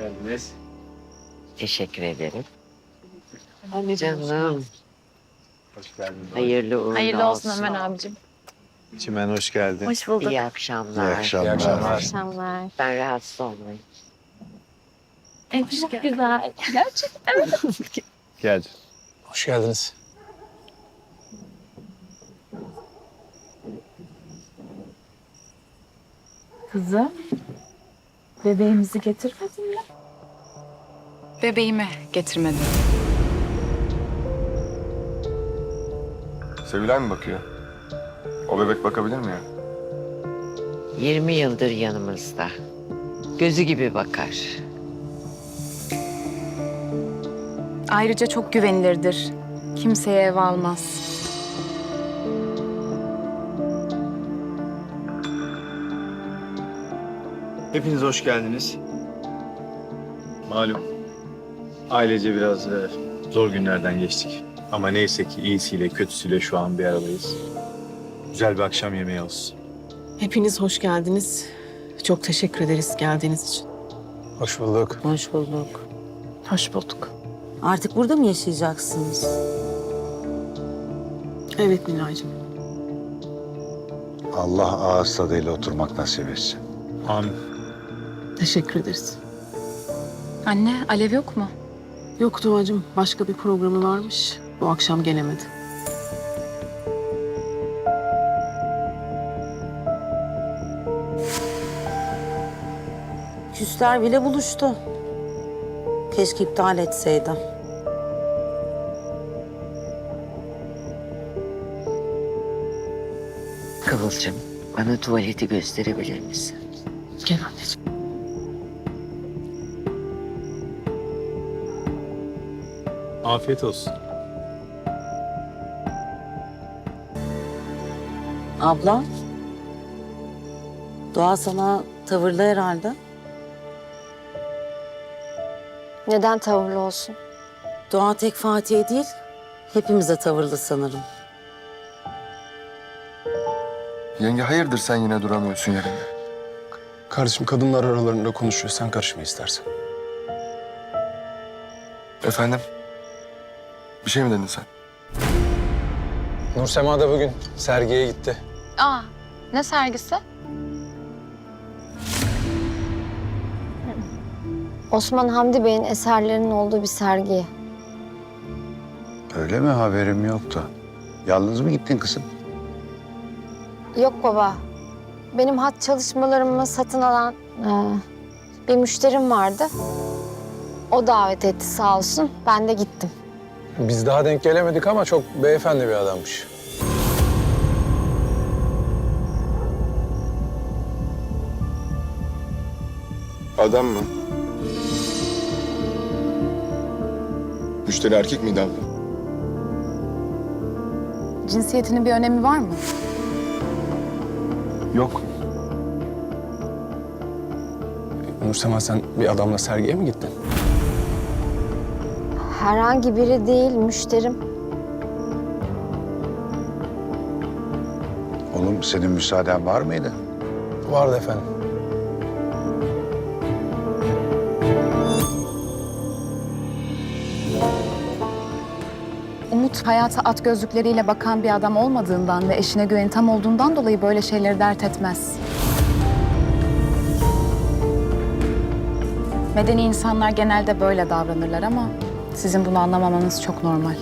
geldiniz. Teşekkür ederim. Canım. Hoş geldiniz. Hayırlı uğurlu Hayırlı olsun olsun. Ömer abicim. Çimen hoş geldin. Hoş bulduk. İyi akşamlar. İyi akşamlar. İyi akşamlar. akşamlar. Ben rahatsız olmayayım. Çok güzel. Gerçekten. Gel. Hoş geldiniz. Kızım, bebeğimizi getirmedin mi? Bebeğimi getirmedim. Sevilay mı bakıyor? O bebek bakabilir mi ya? 20 yıldır yanımızda. Gözü gibi bakar. Ayrıca çok güvenilirdir. Kimseye ev almaz. Hepiniz hoş geldiniz. Malum ailece biraz zor günlerden geçtik. Ama neyse ki iyisiyle kötüsüyle şu an bir aradayız. Güzel bir akşam yemeği olsun. Hepiniz hoş geldiniz. Çok teşekkür ederiz geldiğiniz için. Hoş bulduk. Hoş bulduk. Hoş bulduk. Artık burada mı yaşayacaksınız? Evet Nilay'cığım. Allah ağız tadıyla oturmak nasip etsin. Amin. Teşekkür ederiz. Anne, Alev yok mu? Yok Doğacığım, başka bir programı varmış. Bu akşam gelemedi. Küsler bile buluştu. Keşke iptal etseydim. Kıvılcım, bana tuvaleti gösterebilir misin? Gel anneciğim. Afiyet olsun. Abla, Doğa sana tavırlı herhalde. Neden tavırlı olsun? Doğa tek Fatih'e değil, hepimize tavırlı sanırım. Yenge hayırdır sen yine duramıyorsun yerinde? Kardeşim kadınlar aralarında konuşuyor. Sen karışma istersen. Efendim? Bir şey mi dedin sen? Nursema da bugün sergiye gitti. Aa, ne sergisi? Osman Hamdi Bey'in eserlerinin olduğu bir sergi. Öyle mi? Haberim yoktu. Yalnız mı gittin kızım? Yok baba, benim hat çalışmalarımı satın alan bir müşterim vardı. O davet etti sağ olsun, ben de gittim. Biz daha denk gelemedik ama çok beyefendi bir adammış. Adam mı? Müşteri erkek miydi abla? Cinsiyetinin bir önemi var mı? Yok. Nursema sen bir adamla sergiye mi gittin? Herhangi biri değil, müşterim. Oğlum senin müsaaden var mıydı? Vardı efendim. Umut hayata at gözlükleriyle bakan bir adam olmadığından ve eşine güveni tam olduğundan dolayı böyle şeyleri dert etmez. Medeni insanlar genelde böyle davranırlar ama sizin bunu anlamamanız çok normal.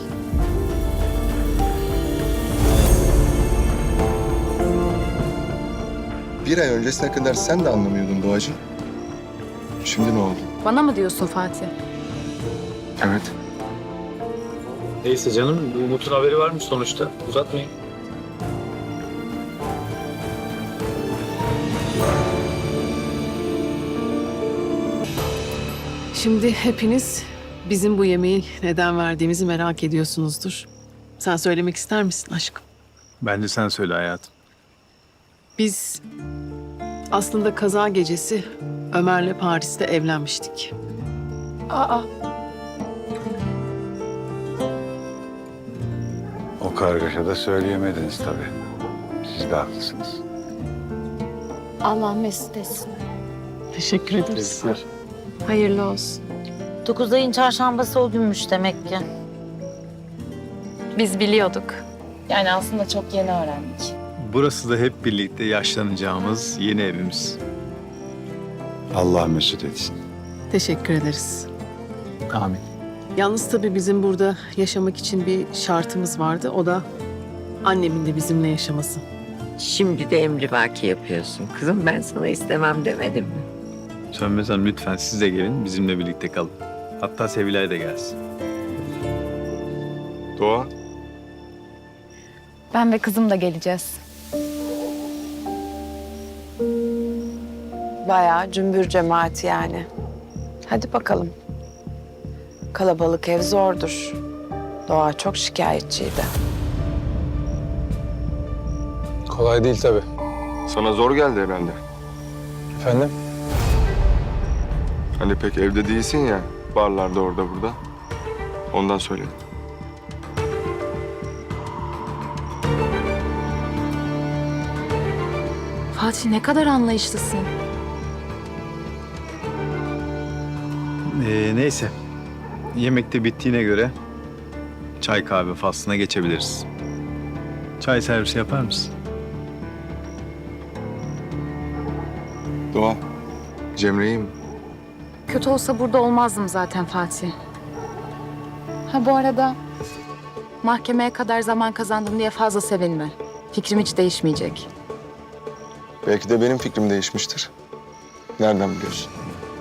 Bir ay öncesine kadar sen de anlamıyordun Doğacığım. Şimdi ne oldu? Bana mı diyorsun Fatih? Evet. Neyse canım, bu Umut'un haberi varmış sonuçta. Uzatmayın. Şimdi hepiniz bizim bu yemeği neden verdiğimizi merak ediyorsunuzdur. Sen söylemek ister misin aşkım? Bence sen söyle hayatım. Biz aslında kaza gecesi Ömer'le Paris'te evlenmiştik. Aa, O kargaşada söyleyemediniz tabii. Siz de haklısınız. Allah mesut etsin. Teşekkür ederiz. Tebrikler. Hayırlı olsun. 9 ayın çarşambası o günmüş demek ki. Biz biliyorduk. Yani aslında çok yeni öğrendik. Burası da hep birlikte yaşlanacağımız yeni evimiz. Allah mesut etsin. Teşekkür ederiz. Amin. Yalnız tabii bizim burada yaşamak için bir şartımız vardı. O da annemin de bizimle yaşaması. Şimdi de emrivaki yapıyorsun. Kızım ben sana istemem demedim mi? Sönmez Hanım lütfen siz de gelin bizimle birlikte kalın. Hatta Sevilay da gelsin. Doğa. Ben ve kızım da geleceğiz. Bayağı cümbür cemaat yani. Hadi bakalım. Kalabalık ev zordur. Doğa çok şikayetçiydi. Kolay değil tabii. Sana zor geldi herhalde. Efendim? Hani pek evde değilsin ya. Barlarda orada burada. Ondan söyledim. Fatih ne kadar anlayışlısın. Neyse. Yemek de bittiğine göre çay kahve faslına geçebiliriz. Çay servisi yapar mısın? Doğa. Cemre'yi mi? Kötü olsa burada olmazdım zaten Fatih. Ha bu arada mahkemeye kadar zaman kazandım diye fazla sevinme. Fikrim hiç değişmeyecek. Belki de benim fikrim değişmiştir. Nereden biliyorsun?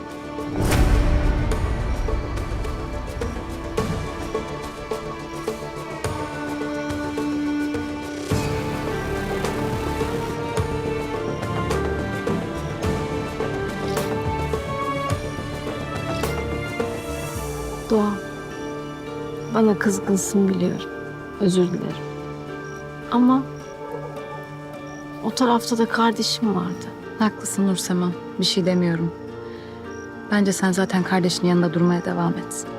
Doğa, bana kızgınsın biliyorum. Özür dilerim. Ama o tarafta da kardeşim vardı. Haklısın Nursema. Bir şey demiyorum. Bence sen zaten kardeşinin yanında durmaya devam et.